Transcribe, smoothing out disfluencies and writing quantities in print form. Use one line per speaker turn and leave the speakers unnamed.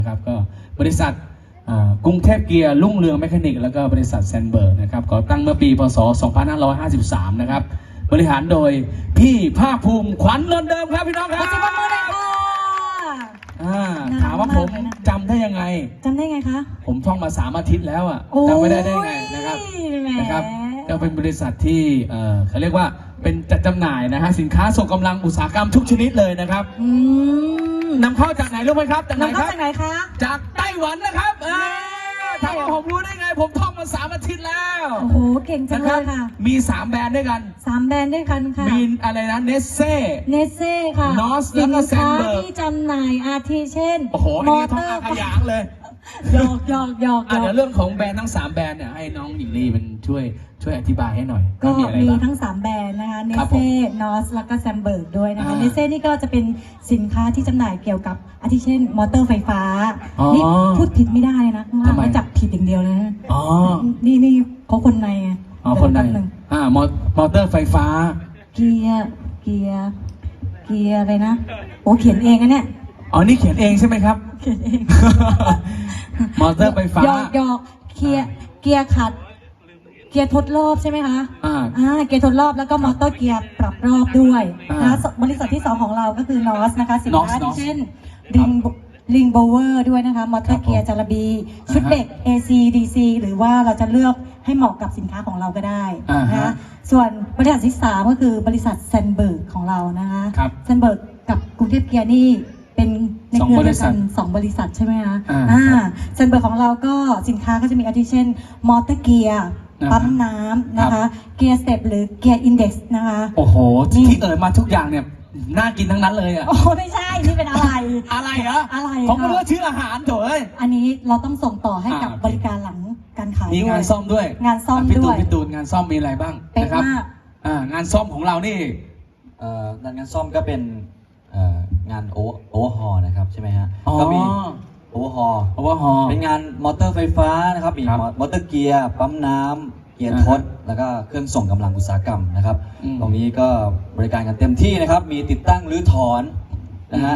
นะครับก็บริษัทกรุงเทพเกียร์รุ่งเรืองแมคานิกแล้วก็บริษัทแซนเบิร์กนะครับก่อตั้งเมื่อปีพศ 2553 นะครับบริหารโดยพี่ภาคภูมิขวัญนนท์เดิมครับพี่น้องครับถามว่าผมจำได้ยังไง
จำได้ไงคะ
ผมท่องมา3 อาทิตย์แล้วจำไม่ได้ไงนะครับก็เป็นบริษัทที่เขาเรียกว่าเป็นจัดจำหน่ายนะฮะสินค้าส่งกำลังอุตสาหกรรมทุกชนิดเลยนะครับนำเข้าจากไหนรู้ไหมครับ
นำเข้าจากไหนคะ
จากไต้หวันนะครับถ้าผมรู้ได้ไงผมท่องมา3 อาทิตย์แล้ว
โอ้โหเก่งจังเลยค่ะ
มี3 แบรนด์ด้วยกัน
3 แบรนด์ด้วยกันค่ะ
มีอะไรนะเนสเซ่
ค่ะ
นอสแล้วก็แซนเบิร์ก
ที่จำหน่ายอาทิเช่น
โอ้โหอันนี้ท่องขยางเลย
หยอกเ
ดี๋ยวเรื่องของแบรนด์ทั้ง3 แบรนด์เนี่ยให้น้องหญิงลีเป็นช่วยอธิบายให้หน่อย
ก็มีทั้ง3 แบรนด์นะคะเนเซ่นอสแล้วก็แซมเบิร์กด้วยนะคะเนเซ่นี่ก็จะเป็นสินค้าที่จำหน่ายเกี่ยวกับอาทิเช่นมอเตอร์ไฟฟ้านี่พูดผิดไม่ได้นะเขาจับผิดอย่างเดียวเลยนะนี่เขาคนใน
คนในมอเตอร์ไฟฟ้า
เกียร์อะไรนะโอ้เขียนเองนะเนี่ย
นี่เขียนเองใช่ไหมครับ
เขียนเอง
มอเตอร์ไฟฟ้า
หยอกเกียร์ขัดเกียร์ทดรอบใช่ไหมคะเกียร์ทดรอบแล้วก็มอเตอร์เกียร์ปรับรอบด้วยนะบริษัทที่2ของเราก็คือนอสนะคะสินค้าที่เช่นลิงโบเวอร์ด้วยนะคะมอเตอร์เกียร์จาระบีชุดเบรก AC DC หรือว่าเราจะเลือกให้เหมาะกับสินค้าของเราก็ได้นะคะส่วนบริษัทที่3ก็คือบริษัทแซนเบิร์กของเรานะคะแซนเบิร์กกับกรุงเทพเกียร์นี่เป็นในเครือเดียวกัน2 บริษัทใช่ไหมคะแซนเบิร์กของเราก็สินค้าก็จะมีอาทิเช่นมอเตอร์เกียร์ปั๊มน้ำนะคะเกียร์สเต็ปหรือเกียร์อินเด็กซ์นะคะ
โอ้โหที่มาทุกอย่างเนี่ยน่ากินทั้งนั้นเลย
โอ้ไม่ใช่นี่เป็นอะไร
เหรอ
อะไร
ผมก็รู้ว่าชื่ออาหารโถย
อันนี้เราต้องส่งต่อให้กับบริการหลังการขาย
มีงานซ่อมด้วย
งานซ่อมด้วย
พี่ตูนงานซ่อมมีอะไรบ้างนะครับงานซ่อมของเรานี่
งานซ่อมก็เป็นงานโอเวอร์ฮอลนะครับใช่ไหมฮะก็มีโอเวอร์ฮอลเป็นงานมอเตอร์ไฟฟ้านะครับมีมอเตอร์เกียร์ปั๊มน้ำเกียร์ทดแล้วก็เครื่องส่งกำลังอุตสาหกรรมนะครับตรงนี้ก็บริการกันเต็มที่นะครับมีติดตั้งรื้อถอนนะฮะ